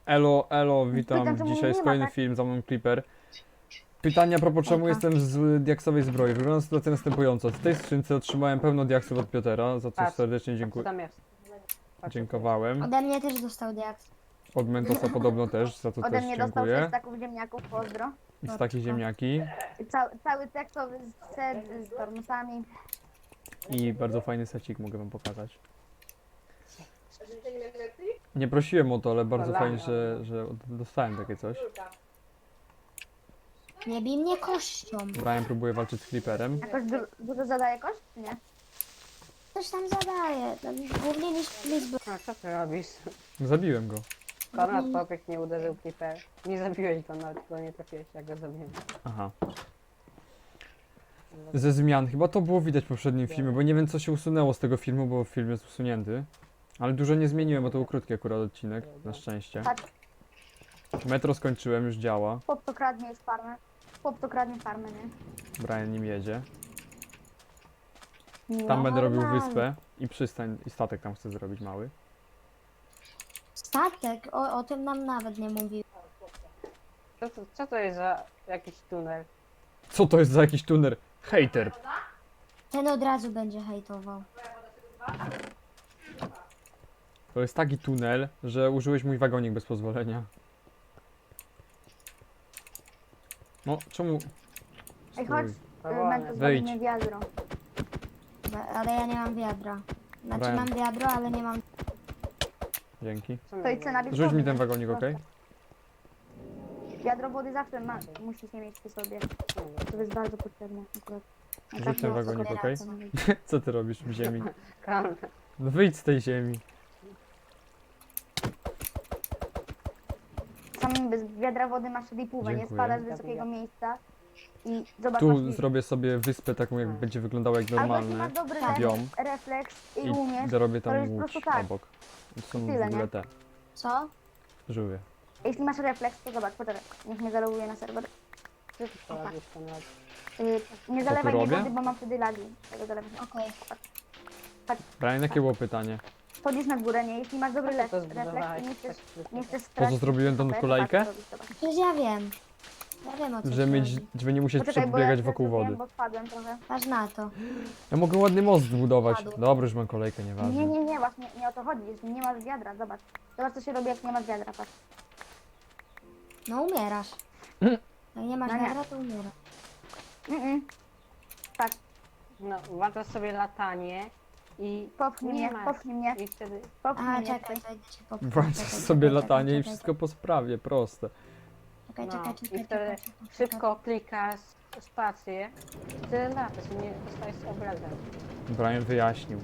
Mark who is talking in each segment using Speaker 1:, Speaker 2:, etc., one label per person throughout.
Speaker 1: Elo,
Speaker 2: Pytam,
Speaker 1: witam.
Speaker 2: czemu
Speaker 1: Dzisiaj
Speaker 2: nie
Speaker 1: jest
Speaker 2: ma,
Speaker 1: kolejny
Speaker 2: tak?
Speaker 1: film, za mną Clipper. Pytanie a propos czemu
Speaker 3: Hejka.
Speaker 1: jestem z diaksowej zbroi. Wygląda sytuacja następująca. W tej skrzynce otrzymałem pełno diaksów od Piotera, za co
Speaker 2: Patrz,
Speaker 1: serdecznie
Speaker 2: Co tam jest? Patrz,
Speaker 1: dziękowałem.
Speaker 3: Ode mnie też dostał diaks.
Speaker 1: Od Mentosa podobno też, za co
Speaker 2: Ode
Speaker 1: też
Speaker 2: mnie dostał 6
Speaker 1: dziękuję.
Speaker 2: staków ziemniaków, pozdro.
Speaker 1: I z takich ziemniaki.
Speaker 2: Cały tekstowy set z tormusami.
Speaker 1: I bardzo fajny secik mogę wam pokazać. Nie prosiłem o to, ale bardzo fajnie, że dostałem takie coś.
Speaker 3: Nie bij mnie kością.
Speaker 1: Brian próbuje walczyć z Clipperem.
Speaker 2: Jakoś dużo zadaje koszt, czy nie?
Speaker 3: Coś tam zadaje. Głównie niż zbroi.
Speaker 2: A co ty robisz?
Speaker 1: Zabiłem go.
Speaker 2: Konrad Popek nie uderzył Clipper. Nie zabiłeś go, nawet go nie trafiłeś, jak go zabiłem.
Speaker 1: Aha. Ze zmian. Chyba to było widać w poprzednim filmie, bo nie wiem co się usunęło z tego filmu, bo film jest usunięty. Ale dużo nie zmieniłem, bo to był krótki akurat odcinek, na szczęście.
Speaker 2: Patrz,
Speaker 1: Metro skończyłem, już działa.
Speaker 2: chłop to kradnie już farmę. Chłop to kradnie farmę, nie?
Speaker 1: Brian nim jedzie.
Speaker 2: No.
Speaker 1: Tam będę robił
Speaker 3: normalnie.
Speaker 1: wyspę i przystań, i statek tam chcę zrobić mały.
Speaker 3: Statek? O tym nam nawet nie mówił.
Speaker 2: Co to jest za jakiś tunel?
Speaker 1: Co to jest za jakiś tuner? Hater.
Speaker 3: Ten od razu będzie hejtował.
Speaker 1: To jest taki tunel, że użyłeś mój wagonik bez pozwolenia. No, czemu?
Speaker 2: Ej, chodź,
Speaker 1: Stój.
Speaker 2: Mentos,
Speaker 1: Wyjdź.
Speaker 2: zrobimy wiadro.
Speaker 3: Ale ja nie mam wiadra. Znaczy
Speaker 1: Brian.
Speaker 3: mam wiadro, ale nie mam...
Speaker 1: Dzięki.
Speaker 2: To i cena
Speaker 1: Rzuć mi ten wagonik, okej?
Speaker 2: Wiadro wody zawsze musisz nie mieć przy sobie. To jest bardzo potrzebne akurat.
Speaker 1: Rzuć ten wagonik, okej? Co ty robisz w ziemi?
Speaker 2: Kan.
Speaker 1: No wyjdź z tej ziemi.
Speaker 2: Samym bez wiadra wody masz ripówę, nie
Speaker 1: Dziękuję.
Speaker 2: spadasz z wysokiego miejsca i zobacz,
Speaker 1: Tu
Speaker 2: masz
Speaker 1: zrobię sobie wyspę taką, jak będzie wyglądała jak
Speaker 2: albo jeśli
Speaker 1: normalny
Speaker 2: masz dobry
Speaker 1: biom
Speaker 2: refleks i
Speaker 1: i
Speaker 2: umiesz,
Speaker 1: dorobię
Speaker 2: to
Speaker 1: tam
Speaker 2: jest po
Speaker 1: łódź
Speaker 2: prostu tak.
Speaker 1: obok. To są
Speaker 2: Tyle,
Speaker 1: w ogóle
Speaker 2: nie?
Speaker 1: te
Speaker 3: Co?
Speaker 1: żółwie.
Speaker 2: jeśli masz refleks, to zobacz, poczekaj, niech mnie zaloguje na serwer. Nie
Speaker 1: Co
Speaker 2: zalewaj
Speaker 1: tu
Speaker 2: mi
Speaker 1: robię?
Speaker 2: wody, bo mam wtedy lagi. Tego zalewać.
Speaker 3: Okej.
Speaker 1: Brian, jakie było pytanie?
Speaker 2: Chodzisz na górę, nie? Jeśli masz dobry refleks i nie chcesz stracić
Speaker 1: zrobiłem tą
Speaker 2: HP,
Speaker 1: kolejkę?
Speaker 2: to patrz, co robisz, zobacz.
Speaker 3: Przecież ja wiem. Ja wiem o co
Speaker 1: Żeby nie musieć
Speaker 2: Poczekaj, bo
Speaker 1: przebiegać
Speaker 2: ja
Speaker 1: wokół
Speaker 2: zrobiłem,
Speaker 1: wody.
Speaker 2: bo spadłem trochę.
Speaker 3: Masz na to.
Speaker 1: Ja mogę ładny most zbudować.
Speaker 3: Padło.
Speaker 1: Dobrze, już mam kolejkę, nieważne.
Speaker 2: Nie, właśnie nie o to chodzi, jeśli nie masz wiadra, zobacz. Zobacz co się robi, jak nie masz wiadra, patrz.
Speaker 3: No umierasz. Jak nie masz
Speaker 2: No nie.
Speaker 3: wiadra, to umierasz.
Speaker 2: Patrz,
Speaker 4: No, włączasz sobie latanie i
Speaker 2: popchnij
Speaker 4: nie
Speaker 2: mnie,
Speaker 4: masz.
Speaker 2: popchnij mnie,
Speaker 4: I wtedy
Speaker 2: popchnij
Speaker 3: A,
Speaker 2: mnie.
Speaker 3: czekaj, to idę cię popchnąć.
Speaker 1: Włączasz
Speaker 3: Czekaj,
Speaker 1: sobie
Speaker 3: czekaj,
Speaker 1: latanie i
Speaker 3: czekaj,
Speaker 1: wszystko po sprawie, proste.
Speaker 3: Czekaj,
Speaker 4: no,
Speaker 3: czekaj,
Speaker 4: i
Speaker 3: czekaj,
Speaker 4: wtedy
Speaker 3: czekaj, czekaj.
Speaker 4: szybko klikasz spację, tyle latasz i nie dostajesz obrażeń.
Speaker 1: Brian wyjaśnił.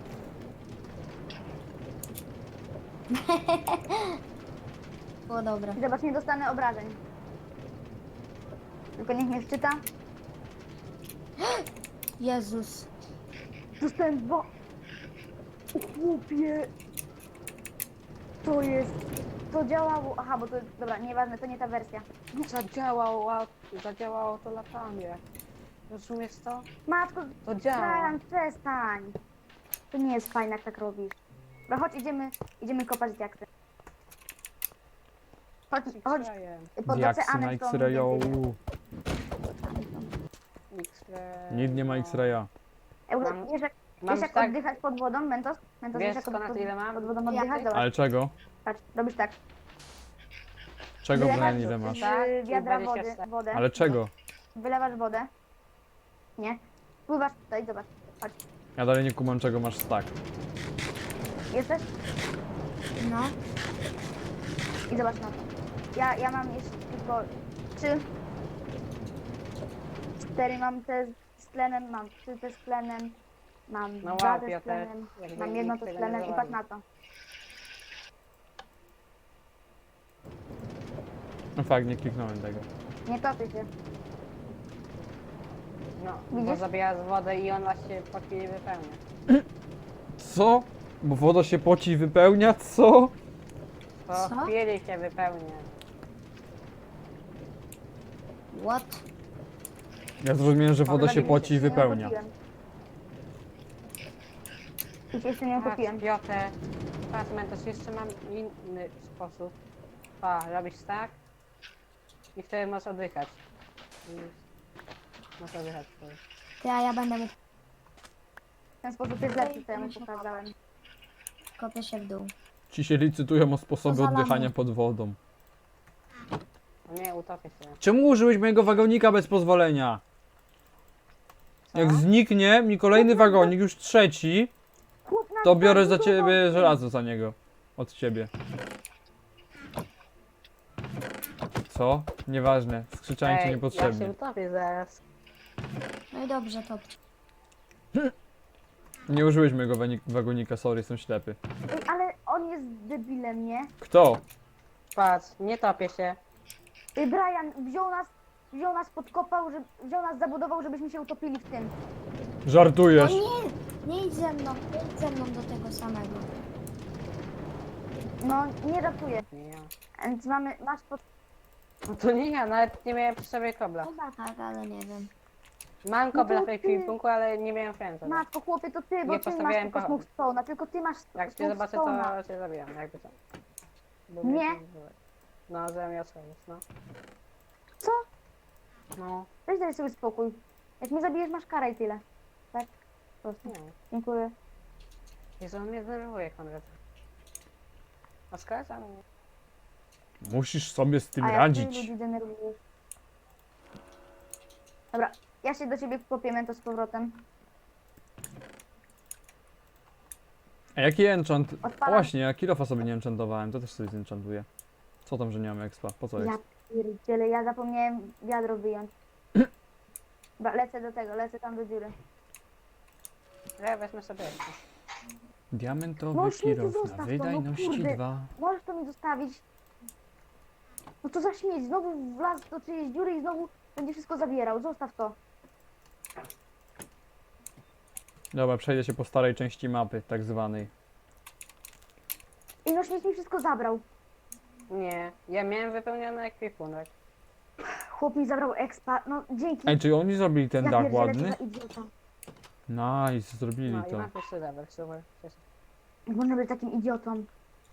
Speaker 3: Było dobre.
Speaker 2: I zobacz, nie dostanę obrażeń. Tylko niech mnie wczyta.
Speaker 3: Jezus.
Speaker 2: Dostałem dwa. O chłopie. To jest. To działało. Aha, bo to. Dobra, nieważne, to nie ta wersja.
Speaker 4: Zadziałało to latanie. Rozumiesz to?
Speaker 2: Matko,
Speaker 4: To działa.
Speaker 2: Brian, przestań. To nie jest fajne, jak tak robisz. Dobra, chodź, idziemy kopać diaksy. Chodź, po drodze
Speaker 1: Diaksy na
Speaker 2: Anek to
Speaker 1: X-rayu. Nic nie ma X-raya.
Speaker 4: Mam-
Speaker 2: Wiesz
Speaker 4: Mam
Speaker 2: jak
Speaker 4: tak,
Speaker 2: oddychać pod wodą, Mentos? Mentos,
Speaker 4: wiesz
Speaker 2: wiesz jak
Speaker 4: skąd ile mam?
Speaker 2: pod wodą oddychać? Dobra,
Speaker 1: Ale czego?
Speaker 2: patrz, robisz tak.
Speaker 1: Czego,
Speaker 2: Wylewasz
Speaker 1: Brian, ile masz?
Speaker 4: Tak,
Speaker 2: z wiadra
Speaker 4: 24.
Speaker 2: wodę.
Speaker 1: Ale czego?
Speaker 2: Wylewasz wodę. Nie. Pływasz tutaj, zobacz.
Speaker 1: Ja dalej nie kumam, czego masz stack.
Speaker 2: Jesteś?
Speaker 3: No.
Speaker 2: I zobacz na to. Ja mam jeszcze tylko 3. 4 mam te z tlenem, mam 3 te z tlenem. Mam
Speaker 4: No
Speaker 2: 2
Speaker 4: wow,
Speaker 2: te z
Speaker 4: Piotr,
Speaker 2: tlenem.
Speaker 4: jakby
Speaker 2: Mam jedno
Speaker 4: nikt
Speaker 2: te z
Speaker 4: tego nie
Speaker 2: tlenem i patrz
Speaker 4: zauważył.
Speaker 2: na to.
Speaker 1: No fakt, nie kliknąłem tego.
Speaker 2: Nie topi się.
Speaker 4: No, bo
Speaker 2: Widzisz?
Speaker 4: zabijasz wodę i ona się po chwili wypełnia.
Speaker 1: Co? Bo woda się poci i wypełnia? Co?
Speaker 4: Po
Speaker 3: Co?
Speaker 4: chwili się wypełnia.
Speaker 3: What?
Speaker 1: Ja zrozumiałem, że woda się
Speaker 2: Dobra,
Speaker 1: poci i
Speaker 2: nie
Speaker 1: wypełnia.
Speaker 2: utopiłem. I się jeszcze nie
Speaker 4: Patrz,
Speaker 2: utopiłem.
Speaker 4: Piotr, patrz, Mentos, jeszcze mam inny sposób. Pa, robisz tak. I wtedy możesz oddychać. I możesz oddychać wtedy.
Speaker 3: Ty, a ja będę mu
Speaker 2: W ten sposób jest lepszy, co ja mu pokazałem.
Speaker 3: kopię się w dół.
Speaker 1: Ci się licytują o sposobie
Speaker 3: Poza
Speaker 1: oddychania
Speaker 3: lamy.
Speaker 1: pod wodą.
Speaker 4: No nie, utopię się.
Speaker 1: Czemu użyłeś mojego wagonika bez pozwolenia?
Speaker 4: Co?
Speaker 1: Jak zniknie mi kolejny wagonik, już trzeci,
Speaker 2: Chłop nas
Speaker 1: to biorę za
Speaker 2: zabudował.
Speaker 1: ciebie żelazo za niego. Od ciebie. Co? Nieważne. Skrzyczałem cię
Speaker 4: Ej, ja się
Speaker 1: niepotrzebnie.
Speaker 4: utopię zaraz.
Speaker 3: No i dobrze, to
Speaker 1: Nie użyłeś mojego wagonika, sorry, jestem ślepy.
Speaker 2: Ej, ale on jest debilem, nie?
Speaker 1: Kto?
Speaker 4: Patrz, nie topię się.
Speaker 2: Brian wziął nas, podkopał, wziął nas, zabudował, żebyśmy się utopili w tym.
Speaker 3: No
Speaker 1: Żartujesz.
Speaker 3: nie idź ze mną, nie idź ze mną do tego samego.
Speaker 2: No, nie ratuję.
Speaker 4: Nie ja.
Speaker 2: Więc masz pod...
Speaker 4: No to nie ja, nawet nie miałem przy sobie kobla.
Speaker 3: Chyba tak, ale nie wiem.
Speaker 4: Mam kobla w
Speaker 2: ty-
Speaker 4: ekwipunku, ale nie miałem friendza.
Speaker 2: Matko, chłopie, to ty, bo
Speaker 4: Nie
Speaker 2: ty masz
Speaker 4: postawiałem
Speaker 2: tylko
Speaker 4: kocham.
Speaker 2: smokestone'a, tylko ty masz
Speaker 4: Jak cię zobaczę,
Speaker 2: smokestone'a.
Speaker 4: to cię zabijam, jakby co. Bo
Speaker 2: Nie.
Speaker 4: mnie tu byłeś. No, zamiast no.
Speaker 2: Co?
Speaker 4: No,
Speaker 2: Weź daj sobie spokój. Jak mnie zabijesz, masz karę i tyle. Tak? Po prostu.
Speaker 4: nie.
Speaker 2: Dziękuję.
Speaker 4: Jezu, on mnie denerwuje, Konrad. A skarca? No.
Speaker 1: Musisz sobie z tym
Speaker 2: A jak ty
Speaker 1: radzić.
Speaker 2: ludzi denerwujesz. Dobra, ja się do ciebie kopię mento z powrotem.
Speaker 1: A jaki enchant? O
Speaker 2: Odpalam.
Speaker 1: właśnie, ja kilofa sobie nie enchantowałem, to też sobie zenchantuję. Co tam, że nie mam expa? Po co
Speaker 2: Ja
Speaker 1: exp?
Speaker 2: pierdzielę, ja zapomniałem wiadro wyjąć. Dobra, lecę tam do dziury.
Speaker 4: Ja wezmę sobie jeszcze.
Speaker 1: Diamentowy
Speaker 2: No, śmieci
Speaker 1: kilof
Speaker 2: zostaw to,
Speaker 1: na
Speaker 2: no
Speaker 1: wydajności
Speaker 2: kurde.
Speaker 1: 2.
Speaker 2: Możesz to mi zostawić? No to za śmieć, znowu wlazł do czyjejś dziury i znowu będzie wszystko zabierał. Zostaw to.
Speaker 1: Dobra, przejdę się po starej części mapy, tak zwanej.
Speaker 2: I no śmieć mi wszystko zabrał.
Speaker 4: Nie, ja miałem wypełniony ekwipunek.
Speaker 2: Chłop mi zabrał expa, no dzięki.
Speaker 1: Ej, czy oni zrobili ten
Speaker 2: ja
Speaker 1: dach
Speaker 2: pierdzielę, co
Speaker 1: ładny?
Speaker 2: za idiota.
Speaker 1: Nice, zrobili
Speaker 4: No i
Speaker 1: to.
Speaker 4: mam jeszcze level, super. Cieszę.
Speaker 2: Jak można być takim idiotą?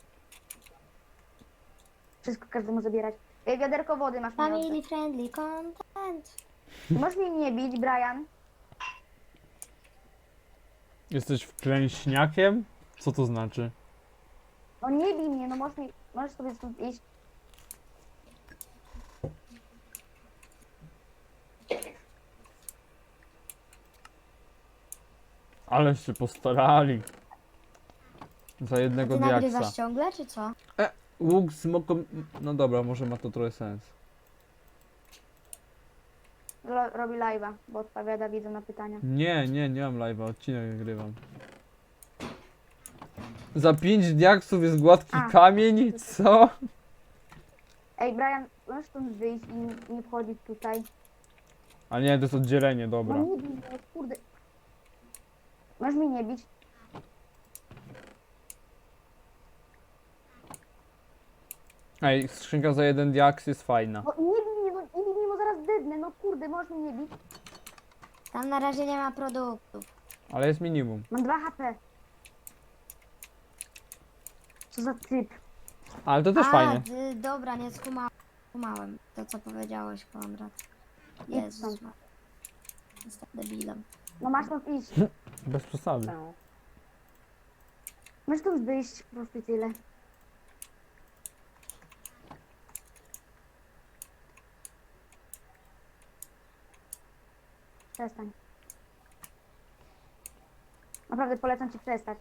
Speaker 2: Wszystko każdemu zabierać. Ej, wiaderko wody masz mi
Speaker 3: Family
Speaker 2: oddać.
Speaker 3: friendly content.
Speaker 2: Możesz mnie nie bić, Brian?
Speaker 1: Jesteś wklęśniakiem? Co to znaczy?
Speaker 2: No nie bij mnie, no możesz sobie stąd iść.
Speaker 1: Ale się postarali. Za
Speaker 3: A
Speaker 1: jednego
Speaker 3: ty
Speaker 1: diaksa.
Speaker 3: nagrywasz ciągle, czy co?
Speaker 1: Łuk z moką... No dobra, może ma to trochę sens.
Speaker 2: Robi live'a, bo odpowiada widzom na pytania.
Speaker 1: Nie mam live'a, odcinek nagrywam. Za 5 diaksów jest gładki
Speaker 2: A.
Speaker 1: kamień? Co?
Speaker 2: Ej, Brian, możesz stąd wyjść i nie wchodzić tutaj.
Speaker 1: A nie, to jest oddzielenie, dobra.
Speaker 2: No nie bij mnie, kurde. Możesz mnie nie bić?
Speaker 1: Ej, skrzynka za jeden diaks jest fajna.
Speaker 2: No nie bij mnie, bo zaraz dednę, no kurde, możesz mnie nie bić?
Speaker 3: Tam na razie nie ma produktów.
Speaker 1: Ale jest minimum.
Speaker 2: Mam 2 HP. Co za typ.
Speaker 1: Ale to też fajnie.
Speaker 3: Dobra, nie skumałem to, co powiedziałeś, Konrad.
Speaker 2: Idź
Speaker 3: Jezus,
Speaker 2: stąd.
Speaker 3: jestem debilem.
Speaker 2: No masz stąd iść.
Speaker 1: Bez przesady.
Speaker 4: No.
Speaker 2: Możesz stąd wyjść, po prostu tyle. Przestań. Naprawdę polecam ci przestać.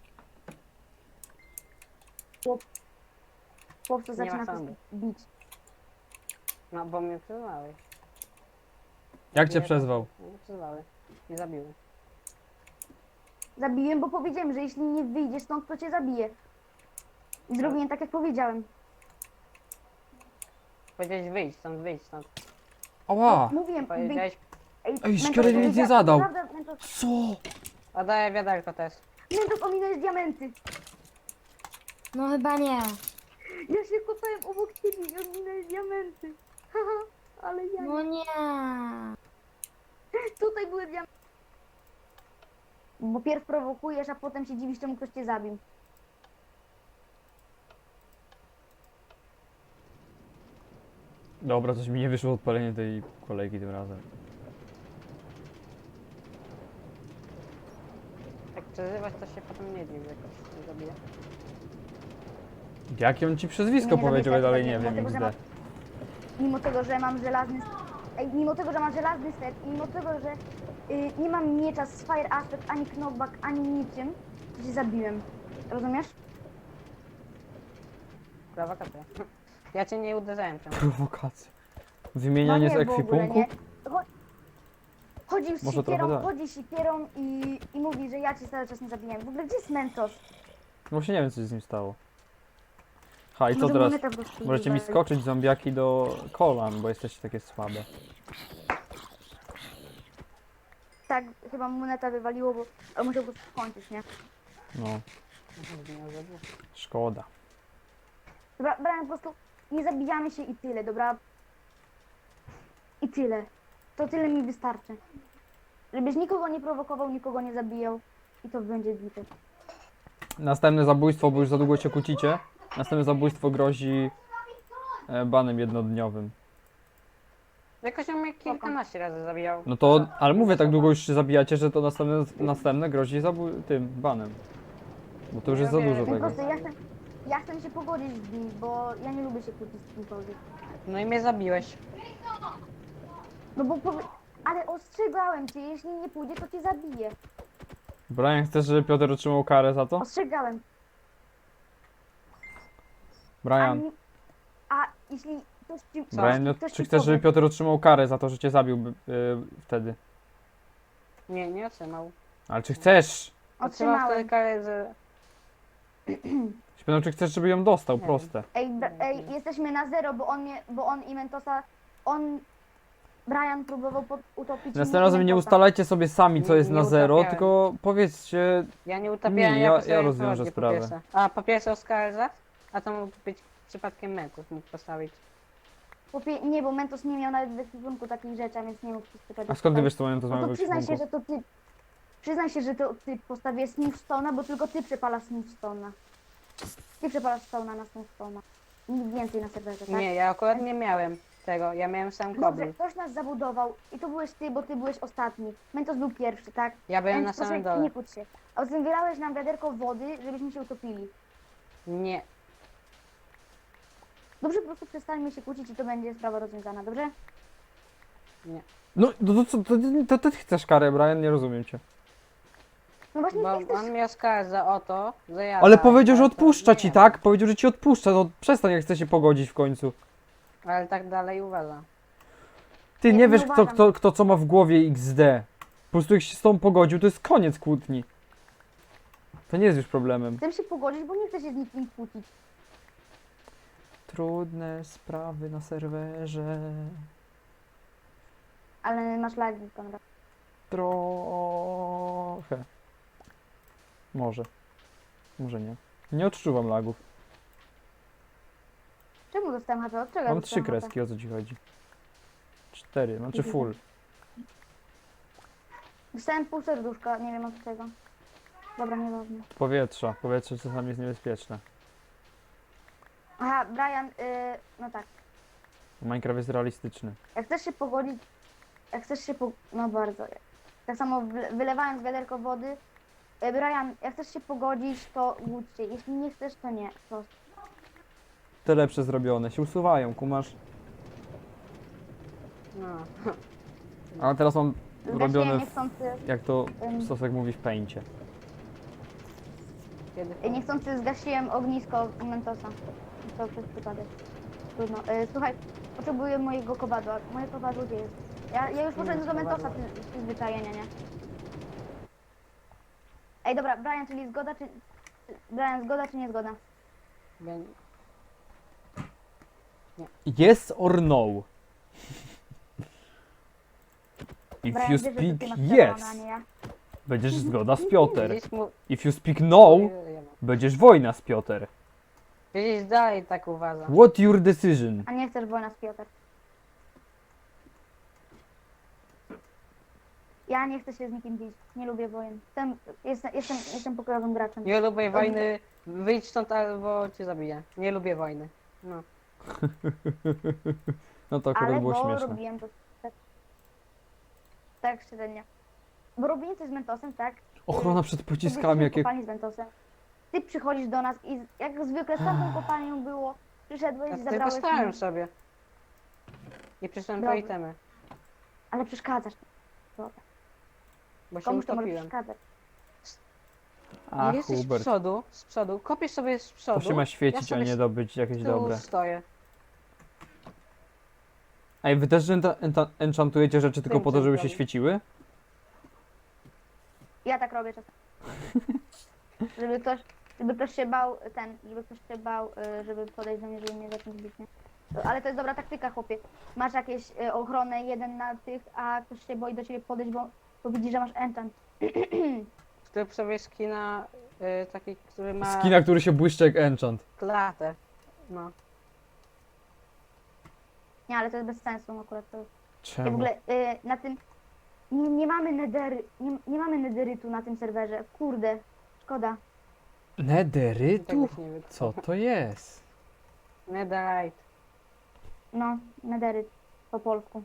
Speaker 2: Chłopcu
Speaker 4: Nie
Speaker 2: zaczyna
Speaker 4: ma
Speaker 2: się
Speaker 4: sądu.
Speaker 2: bić.
Speaker 4: No, bo mnie przyzwały.
Speaker 1: Jak cię
Speaker 4: Nie,
Speaker 1: przezwał?
Speaker 4: Nie przyzwały. Nie zabiły.
Speaker 2: Zabiłem, bo powiedziałem, że jeśli nie wyjdziesz stąd, to cię zabiję. I zrobiłem tak, jak powiedziałem.
Speaker 4: Powiedziałeś wyjść stąd, wyjść stąd.
Speaker 1: Ała!
Speaker 2: Mówiłem, wyjdź.
Speaker 4: Powiedziałeś,
Speaker 2: Mentos
Speaker 1: Szkielet nic nie
Speaker 2: powiedział-
Speaker 1: zadał.
Speaker 2: Naprawdę, Mentos,
Speaker 1: Co?
Speaker 4: oddaję wiaderko też.
Speaker 2: Mentos ominąłeś diamenty.
Speaker 3: No chyba nie.
Speaker 2: Ja się kopałem obok ciebie i ominąłeś diamenty. Haha, ale ja
Speaker 3: No nie.
Speaker 2: Tutaj były diamenty. Bo pierw prowokujesz, a potem się dziwisz, czemu ktoś cię zabił.
Speaker 1: Dobra, coś mi nie wyszło odpalenie tej kolejki tym razem.
Speaker 4: Jak przezywać, to się potem nie dziw, jakoś nie zabije.
Speaker 1: Jakie on ci przezwisko
Speaker 2: Nie
Speaker 1: powiedział, ja
Speaker 2: zabij
Speaker 1: dalej
Speaker 2: tego,
Speaker 1: nie wiem,
Speaker 2: dlatego, że
Speaker 1: XD.
Speaker 2: Mimo tego, że mam żelazny... Ej, mimo tego, że mam żelazny set, i mimo tego, że nie mam miecza z Fire Aspect, ani knockback, ani niczym, to się zabiłem. Rozumiesz?
Speaker 4: Prowokacja. Ja cię nie uderzałem czemu.
Speaker 1: Prowokacja. Wymienianie z
Speaker 2: No nie, w ogóle
Speaker 1: ekwipunku?
Speaker 2: nie. Chodził z
Speaker 1: Może trochę
Speaker 2: sikierą,
Speaker 1: tak.
Speaker 2: chodzi z sikierą i mówi, że ja cię cały czas nie zabijałem. W ogóle gdzie jest Mentos?
Speaker 1: Właśnie nie wiem, co się z nim stało. Ha, i co
Speaker 2: Może
Speaker 1: teraz?
Speaker 2: moneta po prostu
Speaker 1: Możecie mi
Speaker 2: wywali.
Speaker 1: skoczyć zombiaki do kolan, bo jesteście takie słabe.
Speaker 2: Tak, chyba moneta wywaliło, bo ale musiał po prostu skończyć, nie?
Speaker 1: No,
Speaker 4: Nie zabiję.
Speaker 1: szkoda.
Speaker 2: Dobra, Brian, po prostu nie zabijamy się i tyle, dobra? I tyle. To tyle mi wystarczy. Żebyś nikogo nie prowokował, nikogo nie zabijał i to będzie bite.
Speaker 1: Następne zabójstwo, bo już za długo się kłócicie. Następne zabójstwo grozi banem jednodniowym.
Speaker 4: Jakoś on mnie kilkanaście razy zabijał.
Speaker 1: No to, ale mówię, tak długo już się zabijacie, że to następne grozi tym banem. Bo to już jest za
Speaker 4: Ja wiem.
Speaker 1: dużo
Speaker 2: Po
Speaker 1: tego.
Speaker 2: prostu ja chcę się pogodzić z nim, bo ja nie lubię się kłócić z kimkolwiek.
Speaker 4: No i mnie zabiłeś.
Speaker 2: No bo ale ostrzegałem cię, jeśli nie pójdzie, to cię zabiję.
Speaker 1: Brian, chcesz, żeby Piotr otrzymał karę za to?
Speaker 2: Ostrzegałem.
Speaker 1: Brian,
Speaker 2: A jeśli ktoś ci...
Speaker 1: Brian, no,
Speaker 2: ktoś
Speaker 1: czy
Speaker 2: ci
Speaker 1: chcesz, żeby
Speaker 2: powie-
Speaker 1: Piotr otrzymał karę za to, że cię zabił wtedy?
Speaker 4: Nie, nie otrzymał.
Speaker 1: Ale czy chcesz?
Speaker 4: Otrzymał wtedy
Speaker 2: Otrzymałem.
Speaker 4: karę, że...
Speaker 1: Się pytam, czy chcesz, żeby ją dostał,
Speaker 4: Nie.
Speaker 1: proste.
Speaker 2: Ej, jesteśmy na zero, bo on i Mentosa... Brian próbował utopić mnie
Speaker 1: Następnym
Speaker 2: i
Speaker 1: razem nie
Speaker 2: Mentosa.
Speaker 1: ustalajcie sobie sami, co
Speaker 4: Nie-
Speaker 1: jest
Speaker 4: nie
Speaker 1: na zero,
Speaker 4: utapiałem.
Speaker 1: tylko powiedzcie,
Speaker 4: Ja nie utapiałem,
Speaker 1: Nie,
Speaker 4: ja
Speaker 1: ja
Speaker 4: postawiłem
Speaker 1: rozwiążę
Speaker 4: prowadzkę,
Speaker 1: sprawę.
Speaker 4: Po pierwsze. A po pierwsze oskarżać, a to mógł być przypadkiem Mentos mógł postawić.
Speaker 2: Nie, bo Mentos nie miał nawet w ekwipunku takich rzeczy, a więc nie mógł przystępować.
Speaker 1: a skąd ty wiesz, co mają to
Speaker 2: No
Speaker 1: z
Speaker 2: to
Speaker 1: mojego
Speaker 2: przyznaj się,
Speaker 1: ekwipunku?
Speaker 2: że to ty... Przyznaj się, że to ty postawię Smithstone'a, bo tylko ty przepalasz Smithstone'a. Ty przepalasz Stone'a na Smithstone'a. Nikt więcej na serwerze, tak?
Speaker 4: Nie, ja akurat nie miałem tego, ja miałem sam
Speaker 2: Dobrze,
Speaker 4: kobry.
Speaker 2: ktoś nas zabudował i to byłeś ty, bo ty byłeś ostatni. Mentos był pierwszy, tak?
Speaker 4: Ja byłem
Speaker 2: Więc
Speaker 4: na samym
Speaker 2: proszę,
Speaker 4: dole.
Speaker 2: nie kłóć się. A poza tym wylałeś nam wiaderko wody, żebyśmy się utopili.
Speaker 4: Nie,
Speaker 2: Dobrze, po prostu przestańmy się kłócić i to będzie sprawa rozwiązana, dobrze?
Speaker 1: No, to co, to ty chcesz karę, Brian, nie rozumiem cię.
Speaker 2: No właśnie
Speaker 4: bo
Speaker 2: nie chcesz...
Speaker 4: on mnie oskarża o to, że ja...
Speaker 1: Ale
Speaker 4: dałem,
Speaker 1: powiedział, że
Speaker 4: ale to
Speaker 1: odpuszcza
Speaker 4: nie
Speaker 1: ci,
Speaker 4: ja.
Speaker 1: tak? Powiedział, że ci odpuszcza, no przestań, jak chce się pogodzić w końcu.
Speaker 4: Ale tak dalej uważa.
Speaker 1: Ty
Speaker 2: Ja
Speaker 1: nie
Speaker 2: nie
Speaker 1: wiesz,
Speaker 2: uważam.
Speaker 1: kto co ma w głowie XD. Po prostu jak się z tą pogodził, to jest koniec kłótni. To nie jest już problemem.
Speaker 2: Chcę się pogodzić, bo nie chcę się z nikim kłócić.
Speaker 1: Trudne sprawy na serwerze.
Speaker 2: Ale masz lagi, Konrad.
Speaker 1: Trochę. Może. Może nie. Nie odczuwam lagów.
Speaker 2: Czemu dostałem HP? Od czego
Speaker 1: Mam
Speaker 2: dostałem
Speaker 1: 3
Speaker 2: HP?
Speaker 1: kreski, o co ci chodzi? 4, znaczy full.
Speaker 2: Dostałem pół serduszka, nie wiem od czego. Dobra, nieważne.
Speaker 1: Powietrza. Powietrze czasami jest niebezpieczne.
Speaker 2: Aha, Brian, no tak.
Speaker 1: Minecraft jest realistyczny.
Speaker 2: Jak chcesz się pogodzić, no bardzo. Tak samo wylewając wiaderko wody. Brian, jak chcesz się pogodzić, to łódź się. Jeśli nie chcesz, to nie. Prosto.
Speaker 1: Te lepsze zrobione się usuwają, kumasz?
Speaker 4: No.
Speaker 1: Ale teraz mam
Speaker 2: Zgasiłem
Speaker 1: robione,
Speaker 2: niechcący,
Speaker 1: jak to
Speaker 2: Ym.
Speaker 1: Sosek mówi, w pęcie.
Speaker 4: Kiedy...
Speaker 2: niechcący zgasiłem ognisko Mentosa. To przez przypadek. Trudno. Słuchaj, potrzebuję mojego kowadła. Moje kowadło gdzie jest? Ja już poszedłem do Mentosa przyzwyczajenia, nie? Ej, dobra, Brian, czyli zgoda, czy... Brian, zgoda czy nie zgoda?
Speaker 4: Bę-
Speaker 1: Yes or no? If
Speaker 2: Brian,
Speaker 1: you
Speaker 2: wiesz, że to
Speaker 1: speak
Speaker 2: ty masz
Speaker 1: yes,
Speaker 2: prawo, a nie ja.
Speaker 1: będziesz zgoda z Piotr.
Speaker 4: Widzisz, mu...
Speaker 1: If you speak no, będziesz wojna z Piotr.
Speaker 4: Widzisz, dalej tak uważa.
Speaker 1: What your decision?
Speaker 2: A nie chcesz wojna z Piotr. Ja nie chcę się z nikim bić. Nie lubię wojen. Jestem pokojowym graczem.
Speaker 4: Nie lubię wojny, wyjdź stąd albo cię zabiję. Nie lubię wojny. No.
Speaker 1: No to akurat
Speaker 2: Ale
Speaker 1: było
Speaker 2: bo
Speaker 1: śmieszne.
Speaker 2: robiłem to tak średnio. Bo robiłem coś z Mentosem, tak?
Speaker 1: Ochrona przed pociskami, jakie...
Speaker 2: kopalni z Mentosem. Ty przychodzisz do nas i jak zwykle z tamtą kopalnią było, przyszedłeś
Speaker 4: Ja
Speaker 2: i
Speaker 4: tylko
Speaker 2: zabrałeś
Speaker 4: stałem
Speaker 2: mi,
Speaker 4: sobie. I przyszedłem po
Speaker 2: Dobra.
Speaker 4: itemy,
Speaker 2: ale przeszkadzasz. Dobra.
Speaker 4: bo się
Speaker 2: Komuś to może
Speaker 4: utopiłem.
Speaker 2: przeszkadzać.
Speaker 1: A,
Speaker 4: Jesteś
Speaker 1: Hubert.
Speaker 4: z przodu, kopiesz sobie z przodu.
Speaker 1: To się ma świecić,
Speaker 4: ja
Speaker 1: a
Speaker 4: sobie
Speaker 1: nie dobyć jakieś
Speaker 4: z tyłu
Speaker 1: dobre.
Speaker 4: stoję.
Speaker 1: Ej, wy też enchantujecie rzeczy tylko po to, żeby się
Speaker 4: Enchantowałem.
Speaker 1: świeciły?
Speaker 2: Ja tak robię czasem. Żeby ktoś się bał, żeby ktoś się bał, żeby podejść do mnie, żeby mnie zacząć bić, nie? Ale to jest dobra taktyka, chłopie. Masz jakieś ochronę, jeden na tych, a ktoś się boi do ciebie podejść, bo widzi, że masz enchant.
Speaker 4: Zrób sobie skina taki, który ma
Speaker 1: Skina, który się błyszczy jak enchant.
Speaker 4: klatę. No.
Speaker 2: Nie, ale to jest bez sensu akurat. To... Ja w
Speaker 1: Czemu?
Speaker 2: ogóle na tym... Nie mamy nie mamy nederytu na tym serwerze. Kurde, szkoda.
Speaker 1: Nederytu?
Speaker 4: Tegoś nie wiem.
Speaker 1: Co to jest?
Speaker 4: Netherite.
Speaker 2: No, nederyt po polsku.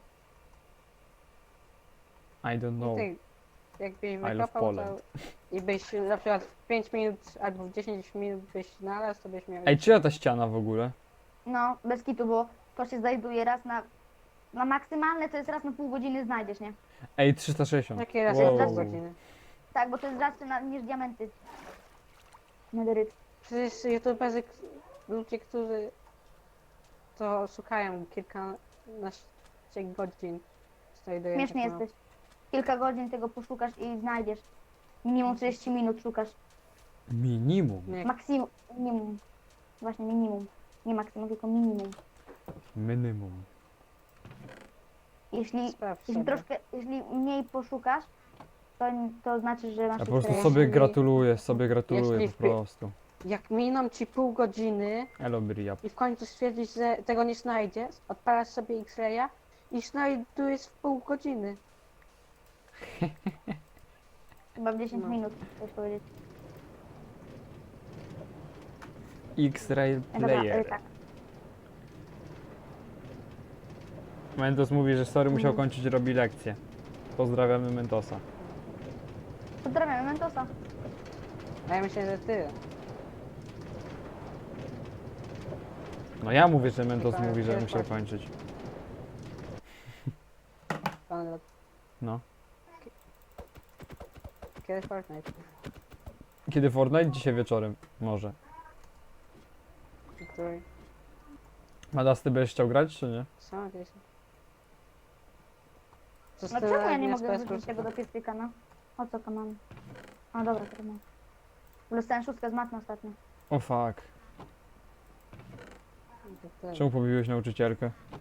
Speaker 1: I don't
Speaker 4: I
Speaker 1: know.
Speaker 4: ty, jakbyś
Speaker 1: love
Speaker 4: wykopał
Speaker 1: Poland.
Speaker 4: to i byś na przykład w 5 minut albo w 10 minut byś znalazł, to byś miał...
Speaker 1: Ej, czyja ta ściana w ogóle?
Speaker 2: No, bez kitu, bo to się znajduje raz na maksymalne, to jest raz na pół godziny znajdziesz, nie?
Speaker 1: Ej, 360.
Speaker 4: Jakie raz
Speaker 1: Wow.
Speaker 4: wow. godziny?
Speaker 2: Tak, bo to jest rzadsze niż diamenty. Nederyt.
Speaker 4: Przecież youtuberzy, ludzie, którzy to szukają kilkanaście godzin, znajdują
Speaker 2: Śmieszny
Speaker 4: tak mało.
Speaker 2: jesteś. Kilka godzin tego poszukasz i znajdziesz. Minimum 30 minut szukasz.
Speaker 1: Minimum.
Speaker 4: Nie,
Speaker 2: Maksimum, minimum. Właśnie minimum. Nie maksimum, tylko minimum.
Speaker 1: Minimum.
Speaker 4: sprawdź sobie.
Speaker 2: Jeśli mniej poszukasz, to znaczy, że masz
Speaker 1: Ja po prostu
Speaker 2: jeszcze-
Speaker 1: sobie
Speaker 4: Jeśli-
Speaker 1: gratuluję
Speaker 4: jeśli
Speaker 1: po prostu.
Speaker 4: Jak miną ci pół godziny
Speaker 1: Elo Briap.
Speaker 4: i w końcu stwierdzisz, że tego nie znajdziesz, odpalasz sobie X-raya i znajdujesz w pół godziny.
Speaker 2: Chyba w 10
Speaker 4: No.
Speaker 2: minut, chcesz powiedzieć.
Speaker 1: X-Ray
Speaker 2: Dobra,
Speaker 1: Player.
Speaker 2: tak.
Speaker 1: Mentos mówi, że sorry, musiał
Speaker 2: Mm.
Speaker 1: kończyć, robi lekcję. Pozdrawiamy Mentosa.
Speaker 2: Pozdrawiamy Mentosa.
Speaker 4: A ja myślę, że ty.
Speaker 1: No ja mówię, że Mentos
Speaker 4: Tylko
Speaker 1: mówi, że
Speaker 4: kiedy
Speaker 1: musiał
Speaker 4: Fortnite?
Speaker 1: kończyć.
Speaker 4: Konrad.
Speaker 1: No.
Speaker 4: Kiedy Fortnite?
Speaker 1: Kiedy Fortnite? Dzisiaj wieczorem. Może.
Speaker 4: Który...
Speaker 1: Madas, ty będziesz chciał grać, czy nie?
Speaker 4: Co gdzieś?
Speaker 2: No czemu ja nie mogę wrzucić tego do piecyka, no? O co to mam? A dobra, to mam. W ogóle dostałem szóstkę z matmy ostatnio.
Speaker 1: O fuck. Czemu pobiłeś nauczycielkę?